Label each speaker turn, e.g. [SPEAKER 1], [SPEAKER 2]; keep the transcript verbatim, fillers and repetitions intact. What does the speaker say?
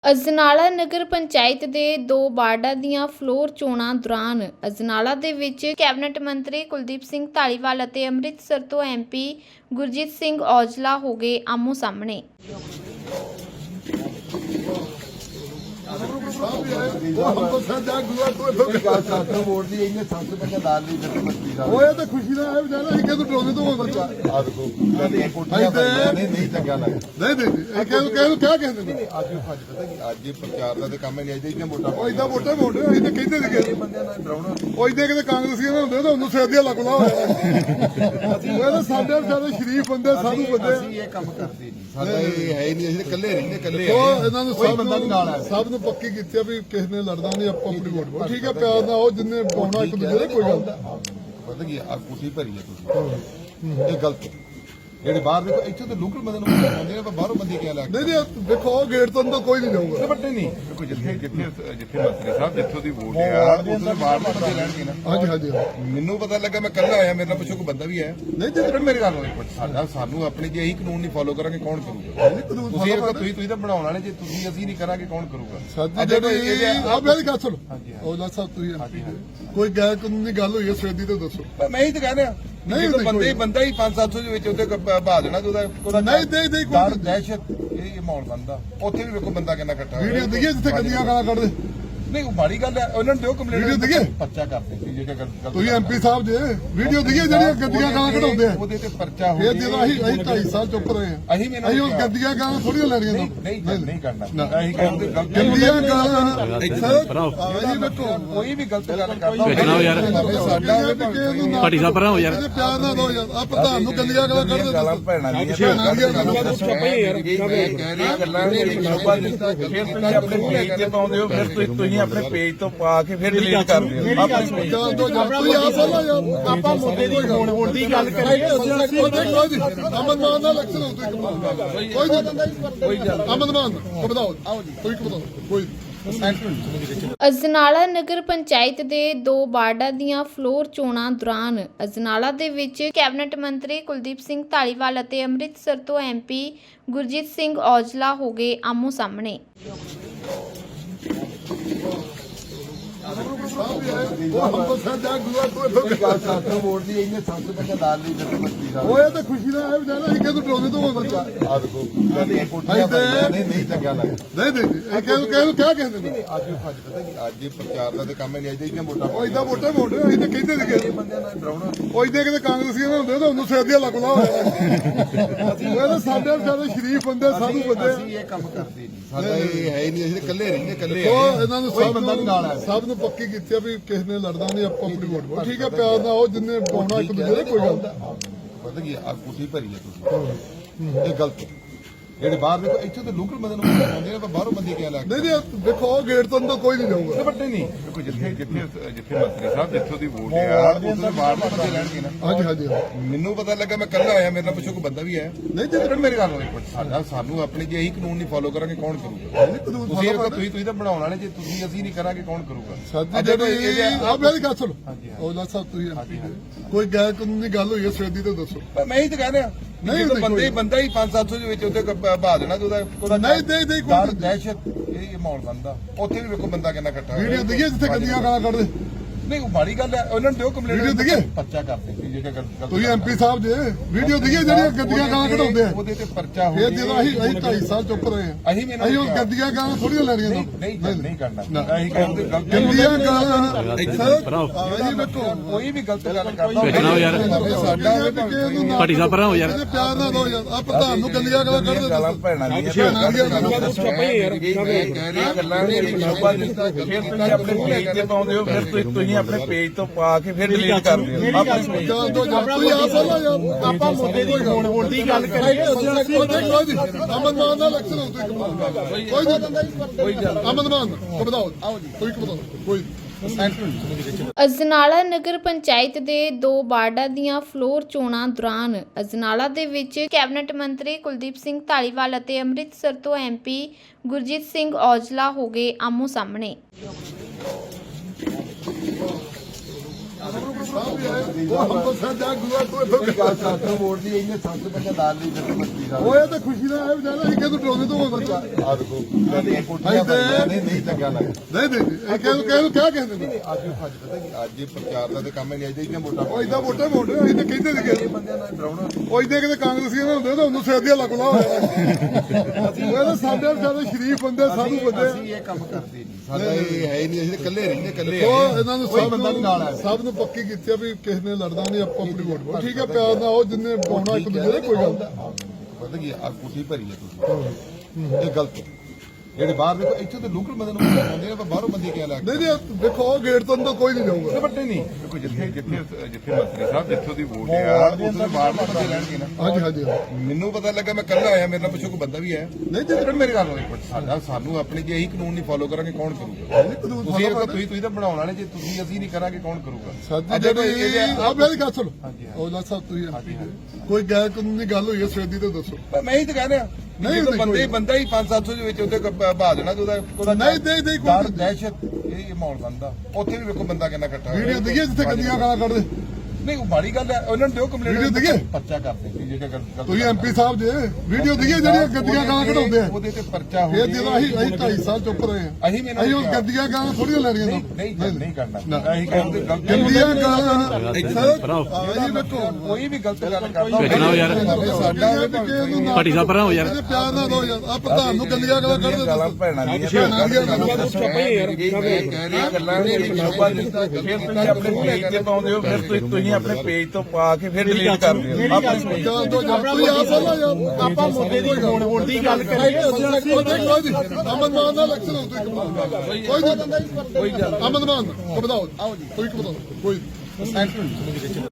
[SPEAKER 1] ਅਜਨਾਲਾ ਨਗਰ ਪੰਚਾਇਤ ਦੇ ਦੋ ਵਾਰਡਾਂ ਦੀਆਂ ਫਲੋਰ ਚੋਣਾਂ ਦੌਰਾਨ ਅਜਨਾਲਾ ਦੇ ਵਿੱਚ ਕੈਬਨਿਟ ਮੰਤਰੀ ਕੁਲਦੀਪ ਸਿੰਘ ਧਾਲੀਵਾਲ ਅਤੇ ਅੰਮ੍ਰਿਤਸਰ ਤੋਂ ਐਮਪੀ ਗੁਰਜੀਤ ਸਿੰਘ ਔਜਲਾ ਹੋ ਗਏ ਆਮੋ ਸਾਹਮਣੇ।
[SPEAKER 2] ਹੋਇਆ ਤਾਂ ਖੁਸ਼ੀ ਦਾ ਹੈ ਵਿਚਾਰਾ ਇਹ ਕਿਹਨੂੰ ਡਰਾਉਂਦੇ ਤੋਂ ਬੱਚਾ ਆ ਦੇਖੋ ਨਹੀਂ ਨਹੀਂ ਚੰਗਾ ਲੱਗਦਾ ਨਹੀਂ ਨਹੀਂ ਇਹ ਕਿਹਨੂੰ ਕਿਹਨੂੰ ਕਿਆ ਕਹਿੰਦੇ ਨੇ ਅੱਜ ਅੱਜ ਪਤਾ ਕੀ ਅੱਜ ਇਹ ਪ੍ਰਚਾਰ ਦਾ ਤੇ ਕੰਮ ਹੀ ਨਹੀਂ ਅੱਜ ਇੰਨਾ ਮੋਟਾ ਉਹ ਇਦਾਂ ਮੋਟਾ ਮੋਟੇ ਅਸੀਂ ਤਾਂ ਕਹਿੰਦੇ ਸੀਗੇ ਬੰਦਿਆਂ ਨਾਲ ਡਰਾਉਣਾ ਉਹ ਇਦਾਂ ਕਿਤੇ ਕਾਂਗਰਸੀਆਂ ਨਾਲ ਹੁੰਦੇ ਤਾਂ ਉਹਨੂੰ ਸਿਰ ਦੀਆਂ ਲੱਗਦਾ ਹੋਇਆ ਅਸੀਂ ਉਹ ਤਾਂ ਸਾਡੇ ਵਿਚਾਰੇ ਸ਼ਰੀਫ ਬੰਦੇ ਸਾਧੂ ਬੰਦੇ ਅਸੀਂ ਇਹ ਕੰਮ ਕਰਦੇ ਨਹੀਂ ਸਾਡਾ ਇਹ ਹੈ ਹੀ ਨਹੀਂ ਅਸੀਂ ਇਕੱਲੇ ਰਹਿੰਦੇ ਇਕੱਲੇ ਉਹ ਇਹਨਾਂ ਨੂੰ ਸਭ ਬੰਦਾ ਨਾਲ ਹੈ ਸਭ ਨੂੰ ਪੱਕੀ ਕੀਤੀ ਆ ਵੀ ਕਿਸੇ ਨੇ ਲੜਦਾ ਨਹੀਂ ਆਪਾਂ ਆਪਣੀ ਵੋਟ ਪਾਓ ਠੀਕ ਹੈ ਪਿਆਰ ਨਾਲ ਉਹ ਜਿੰਨੇ ਪਾਉਣਾ ਇੱਕ ਦੂਜੇ ਦੇ ਕੋਈ ਗੱਲ ਪਤਾ ਕੀ ਆ ਕੁੱਠੀ ਭਰੀ ਹੈ ਤੁਸੀਂ ਇਹ ਗਲਤ ਜਿਹੜੇ ਬਾਹਰ ਦੇਖੋ ਇੱਥੇ ਤਾਂ ਲੋਕਲ ਬੰਦੇ ਨੂੰ ਆਉਂਦੇ ਨੇ ਪਰ ਬਾਹਰੋਂ ਬੰਦੇ ਕਿਆ ਲੱਗਦੇ ਨਹੀਂ ਨਹੀਂ ਦੇਖੋ ਉਹ ਗੇਟ ਤੋਂ ਤਾਂ ਕੋਈ ਨਹੀਂ ਜਾਊਗਾ ਵੱਡੇ ਨਹੀਂ ਦੇਖੋ ਜਿੱਥੇ ਜਿੱਥੇ ਜਿੱਥੇ ਮੰਤਰੀ ਸਾਹਿਬ ਜਿੱਥੋਂ ਦੀ ਵੋਟ ਆ ਉੱਥੇ ਬਾਹਰ ਬੰਦੇ ਰਹਿਣਗੇ ਨਾ ਹਾਂਜੀ ਹਾਂਜੀ ਮੈਨੂੰ ਪਤਾ ਲੱਗਾ ਮੈਂ ਕੱਲਾ ਆਇਆ ਮੇਰੇ ਨਾਲ ਪੁੱਛੋ ਕੋਈ ਬੰਦਾ ਵੀ ਆਇਆ ਨਹੀਂ ਤੇ ਮੇਰੀ ਗੱਲ ਹੋਈ ਸਾਡਾ ਸਾਨੂੰ ਆਪਣੇ ਜੇ ਇਹੀ ਕਾਨੂੰਨ ਨਹੀਂ ਫਾਲੋ ਕਰਾਂਗੇ ਕੌਣ ਕਰੂਗਾ ਤੁਸੀਂ ਤੁਸੀਂ ਤੁਸੀਂ ਤਾਂ ਬਣਾਉਣ ਵਾਲੇ ਜੇ ਤੁਸੀਂ ਅਸੀਂ ਨਹੀਂ ਕਰਾਂਗੇ ਕੌਣ ਕਰੂਗਾ ਸਾਡੀ ਜਿਹੜੀ ਆ ਮੇਰੀ ਗੱਲ ਸੁਣੋ ਔਜਲਾ ਸਾਹਿਬ ਤੁਸੀਂ ਕੋਈ ਗੈਰ ਕਾਨੂੰਨੀ ਗੱਲ ਹੋਈ ਹੈ ਸਵੇਦੀ ਤੇ ਦੱਸੋ ਮੈਂ ਹੀ ਤਾਂ ਕਹਿ ਰਿਹਾ ਨਹੀਂ ਬੰਦੇ ਬੰਦਾ ਹੀ ਪੰਜ ਸੱਤ ਸੌ ਦੇ ਵਿੱਚ ਉਹਦੇ ਭਾ ਦੇਣਾ ਉਹਦਾ ਨਹੀਂ ਨਹੀਂ ਨਹੀਂ ਕੋਈ ਦਹਿਸ਼ਤ ਇਹ ਮਾਹੌਲ ਬੰਦਾ ਉੱਥੇ ਵੀ ਵੇਖੋ ਬੰਦਾ ਕਿੰਨਾ ਇਕੱਠਾ ਵੀਡੀਓ ਦਿਖੀ ਜਿੱਥੇ ਗੱਡੀਆਂ ਗਾਲਾਂ ਕੱਢਦੇ ਨਹੀਂ ਉਹ ਮਾੜੀ ਗੱਲ ਹੈ ਉਹਨਾਂ ਨੂੰ ਦਿਓ ਕੰਪਲੇਂਟ ਵੀਡੀਓ ਦਿਖੀ ਪਰਚਾ ਕਰਦੇ ਸੀ ਜੇ ਤੁਸੀਂ ਐਮਪੀ ਸਾਹਿਬ ਜੇ ਵੀਡੀਓ ਦਿਖੀ ਜਿਹੜੀਆਂ ਗੱਡੀਆਂ ਗਾਲਾਂ ਕਢਾਉਂਦੇ ਆ ਉਹਦੇ ਤੇ ਪਰਚਾ ਹੋ ਗਿਆ ਜਦੋਂ ਅਸੀਂ ਅਸੀਂ ਢਾਈ ਸਾਲ ਚੁੱਪ ਰਹੇ ਆ ਅਸੀਂ ਅਸੀਂ ਉਹ ਗੱਡੀਆਂ ਗਾਲਾਂ ਥੋੜੀਆਂ ਲੈਣੀਆਂ ਨਹੀਂ ਨਹੀਂ ਕਰਨਾ ਅਸੀਂ ਕਹਿੰਦੇ ਗੱਡੀਆਂ ਗਾਲਾਂ ਅਸੀਂ ਵੇਖੋ ਕੋਈ ਵੀ ਗਲਤ ਗੱਲ ਕਰਦਾ ਵੇਚਣਾ ਯਾਰ ਸਾਡਾ ਪਾਰਟੀ ਸਾਹਿਬ ਪਰਾਂ ਹੋ ਯਾਰ ਪਿਆਰ ਨਾਲ ਦੋ ਯਾਰ ਆ ਪ੍ਰਧਾਨ ਨੂੰ ਗੱਡੀਆਂ ਗਾਲਾਂ ਕੱਢਦੇ ਗਾਲਾਂ ਭੈਣਾਂ ਦੀਆਂ ਛੱਪੇ ਯਾਰ ਕਹਿ ਰਹੇ ਗੱਲਾਂ ਨੇ ਸ਼ੋਭਾ ਦਿੱਤਾ ਫਿਰ ਤੁਸੀਂ ਆਪਣੇ ਪੇਜ ਤੇ ਪਾਉਂਦੇ ਹੋ ਫਿਰ ਤੁਸੀਂ ਆਪਣੇ ਪੇਜ ਤੋਂ ਪਾ ਕੇ ਫਿਰ ਡਿਲੀਟ ਕਰ ਦਿਓ ਆਪਣੇ ਆਪਾਂ ਮੁੱਦੇ ਦੀ ਹੋਣ ਹੋਣ ਦੀ ਗੱਲ ਕਰੀਏ ਅਮਨ ਮਾਨ ਦਾ ਇਲੈਕਸ਼ਨ ਹੁੰਦੀ ਕੋਈ ਕੋਈ ਅਮਨ ਮਾਨ ਬਤਾਓ ਕੋਈ ਬਤਾਓ ਕੋਈ
[SPEAKER 1] ਅਜਨਾਲਾ ਨਗਰ ਪੰਚਾਇਤ ਦੇ ਦੋ ਵਾਰਡਾਂ ਦੀਆਂ ਫਲੋਰ ਚੋਣਾਂ ਦੌਰਾਨ ਅਜਨਾਲਾ ਦੇ ਵਿੱਚ ਕੈਬਨਿਟ ਮੰਤਰੀ ਕੁਲਦੀਪ ਸਿੰਘ ਧਾਲੀਵਾਲ ਅਤੇ ਅੰਮ੍ਰਿਤਸਰ ਤੋਂ ਐਮਪੀ ਗੁਰਜੀਤ ਸਿੰਘ ਔਜਲਾ ਹੋ ਗਏ ਆਮੋ ਸਾਹਮਣੇ।
[SPEAKER 2] ਹੋਇਆ ਤਾਂ ਖੁਸ਼ੀ ਦਾ ਹੈ ਵਿਚਾਰਾ ਅਸੀਂ ਕਿਹਨੂੰ ਡਰਾਉਂਦੇ ਤੋਂ ਬੱਚਾ ਆ ਦੇਖੋ ਨਹੀਂ ਨਹੀਂ ਚੰਗਾ ਲੱਗਦਾ ਨਹੀਂ ਨਹੀਂ ਇਹ ਕਿਹਨੂੰ ਕਿਹਨੂੰ ਕਿਆ ਕਹਿੰਦੇ ਨੇ ਅੱਜ ਅੱਜ ਪਤਾ ਕੀ ਅੱਜ ਇਹ ਪ੍ਰਚਾਰ ਦਾ ਤੇ ਕੰਮ ਹੀ ਨਹੀਂ ਅੱਜ ਇੰਨਾ ਮੋਟਾ ਉਹ ਇਦਾਂ ਮੋਟੇ ਮੋਟੇ ਅਸੀਂ ਤਾਂ ਕਹਿੰਦੇ ਸੀਗੇ ਬੰਦਿਆਂ ਨਾਲ ਡਰਾਉਣਾ ਉਹ ਇਦਾਂ ਕਿਤੇ ਕਾਂਗਰਸੀਆਂ ਨਾਲ ਹੁੰਦੇ ਤਾਂ ਉਹਨੂੰ ਸਿਰ ਦੀਆਂ ਲੱਗਦਾ ਹੋਇਆ ਅਸੀਂ ਉਹ ਤਾਂ ਸਾਡੇ ਵਿਚਾਰੇ ਸ਼ਰੀਫ ਬੰਦੇ ਸਾਧੂ ਬੰਦੇ ਅਸੀਂ ਇਹ ਕੰਮ ਕਰਦੇ ਨਹੀਂ ਸਾਡਾ ਇਹ ਹੈ ਹੀ ਨਹੀਂ ਅਸੀਂ ਇਕੱਲੇ ਰਹਿੰਦੇ ਇਕੱਲੇ ਉਹ ਇਹਨਾਂ ਨੂੰ ਸਭ ਬੰਦਾ ਨਾਲ ਹੈ ਸਭ ਨੂੰ ਪੱਕੀ ਕੀਤੀ ਆ ਵੀ ਕਿਸੇ ਨੇ ਲੜਦਾ ਨਹੀਂ ਆਪਾਂ ਆਪਣੀ ਵੋਟ ਪਾਓ ਠੀਕ ਹੈ ਪਿਆਰ ਨਾਲ ਉਹ ਜਿੰਨੇ ਪਾਉਣਾ ਇੱਕ ਦੂਜੇ ਦੇ ਕੋਈ ਗੱਲ ਪਤਾ ਕੀ ਆ ਕੁੱਠੀ ਭਰੀ ਹੈ ਤੁਸੀਂ ਇਹ ਗਲਤ ਜਿਹੜੇ ਬਾਹਰ ਦੇਖੋ ਇੱਥੇ ਤਾਂ ਲੋਕਲ ਬੰਦੇ ਨੂੰ ਆਉਂਦੇ ਨੇ ਪਰ ਬਾਹਰੋਂ ਬੰਦੇ ਕਿਆ ਲੱਗਦੇ ਨਹੀਂ ਨਹੀਂ ਦੇਖੋ ਉਹ ਗੇਟ ਤੋਂ ਤਾਂ ਕੋਈ ਨਹੀਂ ਜਾਊਗਾ ਵੱਡੇ ਨਹੀਂ ਦੇਖੋ ਜਿੱਥੇ ਜਿੱਥੇ ਜਿੱਥੇ ਮੰਤਰੀ ਸਾਹਿਬ ਜਿੱਥੋਂ ਦੀ ਵੋਟ ਆ ਉੱਥੇ ਬਾਹਰ ਬੰਦੇ ਰਹਿਣਗੇ ਨਾ ਹਾਂਜੀ ਹਾਂਜੀ ਮੈਨੂੰ ਪਤਾ ਲੱਗਾ ਮੈਂ ਕੱਲਾ ਆਇਆ ਮੇਰੇ ਨਾਲ ਪੁੱਛੋ ਕੋਈ ਬੰਦਾ ਵੀ ਆਇਆ ਨਹੀਂ ਤੇ ਮੇਰੀ ਗੱਲ ਹੋਈ ਸਾਡਾ ਸਾਨੂੰ ਆਪਣੇ ਜੇ ਇਹੀ ਕਾਨੂੰਨ ਨਹੀਂ ਫਾਲੋ ਕਰਾਂਗੇ ਕੌਣ ਕਰੂਗਾ ਤੁਸੀਂ ਤੁਸੀਂ ਤੁਸੀਂ ਤਾਂ ਬਣਾਉਣ ਵਾਲੇ ਜੇ ਤੁਸੀਂ ਅਸੀਂ ਨਹੀਂ ਕਰਾਂਗੇ ਕੌਣ ਕਰੂਗਾ ਸਾਡੀ ਜਿਹੜੀ ਆ ਮੇਰੀ ਗੱਲ ਸੁਣੋ ਔਜਲਾ ਸਾਹਿਬ ਤੁਸੀਂ ਕੋਈ ਗੈਰ ਕਾਨੂੰਨੀ ਗੱਲ ਹੋਈ ਹੈ ਸਵੇਦੀ ਤੇ ਦੱਸੋ ਮੈਂ ਹੀ ਤਾਂ ਕਹਿ ਰਿਹਾ ਨਹੀਂ ਬੰਦੇ ਬੰਦਾ ਹੀ ਪੰਜ ਸੱਤ ਸੌ ਦੇ ਵਿੱਚ ਉਹਦੇ ਭਾ ਦੇਣਾ ਉਹਦਾ ਨਹੀਂ ਨਹੀਂ ਨਹੀਂ ਕੋਈ ਦਹਿਸ਼ਤ ਇਹ ਮਾਹੌਲ ਬੰਦਾ ਉੱਥੇ ਵੀ ਵੇਖੋ ਬੰਦਾ ਕਿੰਨਾ ਇਕੱਠਾ ਵੀਡੀਓ ਦਿਖੀ ਜਿੱਥੇ ਗੱਡੀਆਂ ਗਾਲਾਂ ਕੱਢਦੇ ਨਹੀਂ ਉਹ ਮਾੜੀ ਗੱਲ ਹੈ ਉਹਨਾਂ ਨੂੰ ਦਿਓ ਕੰਪਲੇਂਟ ਵੀਡੀਓ ਦਿਖੀ ਪਰਚਾ ਕਰਦੇ ਸੀ ਜੇ ਤੁਸੀਂ ਐਮਪੀ ਸਾਹਿਬ ਜੇ ਵੀਡੀਓ ਦਿਖੀ ਜਿਹੜੀਆਂ ਗੱਡੀਆਂ ਗਾਲਾਂ ਕਢਾਉਂਦੇ ਆ ਉਹਦੇ ਤੇ ਪਰਚਾ ਹੋ ਗਿਆ ਜਦੋਂ ਅਸੀਂ ਅਸੀਂ ਢਾਈ ਸਾਲ ਚੁੱਪ ਰਹੇ ਆ ਅਸੀਂ ਅਸੀਂ ਉਹ ਗੱਡੀਆਂ ਗਾਲਾਂ ਥੋੜੀਆਂ ਲੈਣੀਆਂ ਨਹੀਂ ਨਹੀਂ ਕਰਨਾ ਅਸੀਂ ਕਹਿੰਦੇ ਗੱਡੀਆਂ ਗਾਲਾਂ ਅਸੀਂ ਵੇਖੋ ਕੋਈ ਵੀ ਗਲਤ ਗੱਲ ਕਰਦਾ ਵੇਚਣਾ ਯਾਰ ਸਾਡਾ ਪਾਰਟੀ ਸਾਹਿਬ ਪਰਾਂ ਹੋ ਯਾਰ ਪਿਆਰ ਨਾਲ ਦੋ ਯਾਰ ਆ ਪ੍ਰਧਾਨ ਨੂੰ ਗੱਡੀਆਂ ਗਾਲਾਂ ਕੱਢਦੇ ਗਾਲਾਂ ਭੈਣਾਂ ਦੀਆਂ ਛੱਪੇ ਯਾਰ ਕਹਿ ਰਹੇ ਗੱਲਾਂ ਨੇ ਸ਼ੋਭਾ ਦਿੱਤਾ ਫਿਰ ਤੁਸੀਂ ਆਪਣੇ ਪੇਜ ਤੇ ਪਾਉਂਦੇ ਹੋ ਫਿਰ ਤੁਸੀਂ ਆਪਣੇ ਪੇਜ ਤੋਂ ਪਾ ਕੇ ਫਿਰ ਡਿਲੀਟ ਕਰ ਦਿਓ ਆਪਣੇ ਆਪਾਂ ਮੁੱਦੇ ਦੀ ਹੋਣ ਹੋਣ ਦੀ ਗੱਲ ਕਰੀਏ ਅਮਨ ਮਾਨ ਦਾ ਇਲੈਕਸ਼ਨ ਹੁੰਦੀ ਕੋਈ ਅਮਨ ਮਾਨ ਬਤਾਓ ਕੋਈ ਬਤਾਓ ਕੋਈ
[SPEAKER 1] ਅਜਨਾਲਾ ਨਗਰ ਪੰਚਾਇਤ ਦੇ ਦੋ ਵਾਰਡਾਂ ਦੀਆਂ ਫਲੋਰ ਚੋਣਾਂ ਦੌਰਾਨ ਅਜਨਾਲਾ ਦੇ ਵਿੱਚ ਕੈਬਨਿਟ ਮੰਤਰੀ ਕੁਲਦੀਪ ਸਿੰਘ ਧਾਲੀਵਾਲ ਅਤੇ ਅੰਮ੍ਰਿਤਸਰ ਤੋਂ ਐਮਪੀ ਗੁਰਜੀਤ ਸਿੰਘ ਔਜਲਾ ਹੋ ਗਏ ਆਮੋ ਸਾਹਮਣੇ।
[SPEAKER 2] ਉਹ ਹਮ ਤੋਂ ਸਾਡਾ ਗੁਆ ਕੋਈ
[SPEAKER 3] ਗੱਲ ਸੱਤ ਵੋਟ ਦੀ ਇਹਨੇ ਸੱਤ ਬੰਦੇ ਨਾਲ ਲਈ ਫਿਰ ਮਸਤੀ ਦਾ
[SPEAKER 2] ਓਏ ਤਾਂ ਖੁਸ਼ੀ ਦਾ ਹੈ ਵਿਚਾਰਾ ਇਹ ਕਿਹਨੂੰ ਡਰਾਉਂਦੇ ਤੋਂ ਹੁੰਦਾ
[SPEAKER 3] ਆ ਦੇਖੋ ਕਦੇ ਕੋਠੀਆਂ ਬਣੀਆਂ ਨਹੀਂ ਨਹੀਂ ਚੰਗਾ ਲੱਗਦਾ
[SPEAKER 2] ਨਹੀਂ ਨਹੀਂ ਇਹ ਕਿਹਨੂੰ ਕਿਹਨੂੰ ਕਿਆ ਕਹਿੰਦੇ ਨੇ
[SPEAKER 3] ਅੱਜ ਵੀ ਅੱਜ ਪਤਾ ਕੀ ਅੱਜ ਇਹ ਪ੍ਰਚਾਰ ਦਾ ਤੇ ਕੰਮ ਹੀ ਨਹੀਂ ਅੱਜ ਇਹਦੀਆਂ ਵੋਟਾਂ
[SPEAKER 2] ਉਹ ਇਦਾਂ ਮੋਟੇ ਮੋਟੇ ਅਸੀਂ ਤਾਂ ਕਹਿੰਦੇ ਸੀਗੇ
[SPEAKER 3] ਬੰਦਿਆਂ ਨਾਲ ਡਰਾਉਣਾ
[SPEAKER 2] ਉਹ ਇਦਾਂ ਕਿਤੇ ਕਾਂਗਰਸੀਆਂ ਨਾਲ ਹੁੰਦੇ ਤਾਂ ਉਹਨੂੰ ਸਿਆਦੀਆਂ ਲੱਗਦਾ ਉਹ ਤਾਂ ਸਾਡੇ ਵਿਚਾਰੇ ਸ਼ਰੀਫ ਬੰਦੇ ਸਾਧੂ ਬੰਦੇ
[SPEAKER 3] ਅਸੀਂ ਇਹ ਕੰਮ ਕਰਦੇ ਨਹੀਂ ਸਾਡਾ ਇਹ ਹੈ ਹੀ ਨਹੀਂ ਅਸੀਂ ਤਾਂ ਇਕੱਲੇ ਰਹਿੰਦੇ ਇਕੱਲੇ
[SPEAKER 2] ਉਹ ਇਹਨਾਂ ਨੂੰ
[SPEAKER 3] ਕੋਈ
[SPEAKER 2] ਸਭ
[SPEAKER 3] ਬੰਦਾ ਨਹੀਂ ਨਾਲ
[SPEAKER 2] ਨੂੰ
[SPEAKER 3] ਆਇਆ
[SPEAKER 2] ਸਭ ਨੂੰ ਪੱਕੀ ਕੀਤੀ ਆ ਵੀ ਕਿਸੇ ਨੇ ਲੜਦਾ ਨਹੀਂ ਆਪਾਂ ਆਪਣੀ ਵੋਟ ਪਾਓ ਠੀਕ ਹੈ ਪਿਆਰ ਨਾਲ ਉਹ ਜਿੰਨੇ ਪਾਉਣਾ ਇੱਕ ਦੂਜੇ ਦੇ ਕੋਈ ਗੱਲ ਨਹੀਂ।
[SPEAKER 3] ਪਤਾ ਕੀ ਆ ਕੋਠੀ ਭਰੀ ਹੈ ਤੁਸੀਂ ਇਹ ਗਲਤ ਜਿਹੜੇ ਬਾਹਰ ਦੇਖੋ ਇੱਥੇ ਤਾਂ ਲੋਕਲ ਬੰਦੇ ਨੂੰ ਆਉਂਦੇ ਨੇ ਪਰ ਬਾਹਰੋਂ ਬੰਦੇ ਕਿਆ ਲੱਗਦੇ
[SPEAKER 2] ਨਹੀਂ ਨਹੀਂ ਦੇਖੋ ਉਹ ਗੇਟ ਤੋਂ ਅੰਦਰ ਕੋਈ ਨਹੀਂ ਜਾਊਗਾ
[SPEAKER 3] ਵੱਡੇ ਨਹੀਂ ਦੇਖੋ ਜਿੱਥੇ ਜਿੱਥੇ ਜਿੱਥੇ ਮੰਤਰੀ ਸਾਹਿਬ ਜਿੱਥੋਂ ਦੀ ਵੋਟ ਆ ਉੱਥੇ ਦੇ ਬਾਹਰ ਦੇ ਬੰਦੇ ਰਹਿਣਗੇ ਨਾ
[SPEAKER 2] ਹਾਂਜੀ ਹਾਂਜੀ
[SPEAKER 3] ਮੈਨੂੰ ਪਤਾ ਲੱਗਾ ਮੈਂ ਕੱਲਾ ਆਇਆ ਮੇਰੇ ਨਾਲ ਪਿੱਛੋਂ ਕੋਈ ਬੰਦਾ ਵੀ ਆਇਆ
[SPEAKER 2] ਨਹੀਂ ਜੀ
[SPEAKER 3] ਫਿਰ ਮੇਰੀ ਗੱਲ ਹੋਈ ਪਰ ਸਾਡਾ ਸਾਨੂੰ ਆਪਣੇ ਜੇ ਇਹੀ ਕਾਨੂੰਨ ਨਹੀਂ ਫੋਲੋ ਕਰਾਂਗੇ ਕੌਣ ਕਰੂਗਾ
[SPEAKER 2] ਕਾਨੂੰਨ
[SPEAKER 3] ਤੁਸੀਂ ਇਹ ਤਾਂ ਤੁਸੀਂ ਤੁਸੀਂ ਤਾਂ ਬਣਾਉਣ ਵਾਲੇ ਜੇ ਤੁਸੀਂ ਅਸੀਂ ਨਹੀਂ ਕਰਾਂਗੇ ਕੌਣ ਕਰੂਗਾ
[SPEAKER 2] ਸਾਡੀ
[SPEAKER 3] ਅੱਜ ਕੋਈ
[SPEAKER 2] ਜਿਹੜੀ
[SPEAKER 3] ਇਹ
[SPEAKER 2] ਆਪ ਮੇਰੀ ਗੱਲ ਸੁਣੋ
[SPEAKER 3] ਹਾਂਜੀ, ਹਾਂਜੀ।
[SPEAKER 2] ਔਲਾ ਸਾਹਿਬ ਤੁਸੀਂ ਐਮ ਪੀ ਕੋਈ ਗੈਰ ਕਾਨੂੰਨੀ ਗੱਲ ਹੋਈ ਹੈ ਸਵੇਦੀ ਤੋਂ ਦੱਸੋ
[SPEAKER 3] ਪਰ ਮੈਂ ਹੀ ਤਾਂ ਕਹਿ ਰਿਹਾ
[SPEAKER 2] ਨਹੀਂ,
[SPEAKER 3] ਨਹੀਂ
[SPEAKER 2] ਨਹੀਂ,
[SPEAKER 3] ਬੰਦੇ
[SPEAKER 2] ਕੋਈ-
[SPEAKER 3] ਬੰਦਾ ਹੀ ਪੰਜ ਸੱਤ ਸੌ ਦੇ ਵਿੱਚ ਉਹਦੇ ਭਾ ਦੇਣਾ ਤੇ ਉਹਦਾ ਉਹਦਾ
[SPEAKER 2] ਨਹੀਂ, ਨਹੀਂ, ਨਹੀਂ, ਕੋਈ-
[SPEAKER 3] ਡਰ ਦਹਿਸ਼ਤ ਇਹ ਮਾਹੌਲ ਬਣਦਾ ਉੱਥੇ ਵੀ ਵੇਖੋ ਬੰਦਾ ਕਿੰਨਾ ਇਕੱਠਾ ਹੋਇਆ।
[SPEAKER 2] ਵੀਡੀਓ ਦਿਖੀ ਜਿੱਥੇ ਗੰਦੀਆਂ ਗਾਲਾਂ ਕੱਢਦੇ
[SPEAKER 3] ਨਹੀਂ ਉਹ ਮਾੜੀ ਗੱਲ ਹੈ ਉਹਨਾਂ ਨੂੰ ਦਿਓ ਕੰਪਲੇਂਟ
[SPEAKER 2] ਵੀਡੀਓ ਦਿਖੀ?
[SPEAKER 3] ਪਰਚਾ ਕਰਦੇ ਸੀ ਜੇ ਗੱਲ
[SPEAKER 2] ਤੁਸੀਂ ਐਮ ਪੀ ਸਾਹਿਬ ਜੇ ਵੀਡੀਓ ਦਿਖੀ ਜਿਹੜੀਆਂ ਗੰਦੀਆਂ ਗਾਲਾਂ ਕਢਾਉਂਦੇ ਆ
[SPEAKER 3] ਉਹਦੇ ਤੇ ਪਰਚਾ ਹੋ
[SPEAKER 2] ਇਹ ਜਦੋਂ ਅਸੀਂ ਅਸੀਂ ਢਾਈ ਸਾਲ ਚੁੱਪ ਰਹੇ ਆ
[SPEAKER 3] ਅਸੀਂ ਵੀ ਇਹਨਾਂ
[SPEAKER 2] ਅਸੀਂ
[SPEAKER 3] ਨੂੰ
[SPEAKER 2] ਉਹ
[SPEAKER 3] ਕਿਹਾ।
[SPEAKER 2] ਗੰਦੀਆਂ ਗਾਲਾਂ ਥੋੜੀਆਂ ਲੈਣੀਆਂ
[SPEAKER 3] ਨਹੀਂ
[SPEAKER 2] ਤੋਂ
[SPEAKER 3] ਨਹੀਂ ਨਹੀਂ ਕਰਨਾ ਅਸੀਂ ਕਹਿੰਦੇ ਗਲਤ
[SPEAKER 2] ਗੰਦੀਆਂ ਗਾਲਾਂ ਅਸੀਂ ਵੇਖੋ
[SPEAKER 3] ਕੋਈ ਵੀ ਗਲਤ ਗੱਲ ਕਰਦਾ
[SPEAKER 4] ਭੇਜਣਾ ਹੋ ਯਾਰ।
[SPEAKER 3] ਸਾਡਾ
[SPEAKER 4] ਪਾਰਟੀ ਸਾਹਿਬ ਪਰਾਂ ਹੋ ਯਾਰ।
[SPEAKER 2] ਇਹਦੇ ਪਿਆਰ ਨਾਲ ਦੋ ਯਾਰ ਆ ਪ੍ਰਧਾਨ ਨੂੰ ਗੰਦੀਆਂ ਗਾਲਾਂ ਕੱਢਦੇ
[SPEAKER 3] ਗੱਲਾਂ
[SPEAKER 2] ਦੱਸੋ
[SPEAKER 3] ਭੈਣਾਂ ਦੀਆਂ
[SPEAKER 2] ਭੈਣਾਂ ਦੀਆਂ ਗੱਲਾਂ
[SPEAKER 3] ਮੈਂ ਕਹਿ ਰਿਹਾ ਗੱਲਾਂ ਨੇ ਸ਼ੋਭਾ ਦਿੱਤਾ
[SPEAKER 5] ਫਿਰ ਤੁਸੀਂ ਆਪਣੇ ਪੇਜ ਤੇ ਪਾਉਂਦੇ ਹੋ ਫਿਰ ਤੁਸੀਂ ਤੁਸੀਂ ਆਪਣੇ ਪੇਜ ਤੋਂ ਪਾ ਕੇ ਫਿਰ ਡਿਲੀਟ ਕਰਦੇ ਹੋ ਆਪਣੇ
[SPEAKER 2] ਜਾਂ ਦੋ ਜਾਂ ਤੁਸੀਂ ਆ ਬੋਲੋ ਯਾਰ ਆਪਾਂ ਮੁੱਦੇ ਦੀ ਹੋਣ ਹੋਣ ਦੀ ਗੱਲ ਕਰੀਏ ਅਮਨ ਮਾਨ ਦਾ ਇਲੈਕਸ਼ਨ ਹੋ ਤੁਸੀਂ ਕੋਈ ਨਹੀਂ ਕੋਈ ਗੱਲ ਅਮਨ ਮਾਨ ਕਬਦਾਓ ਕੋਈ ਕਬਦਾਓ ਕੋਈ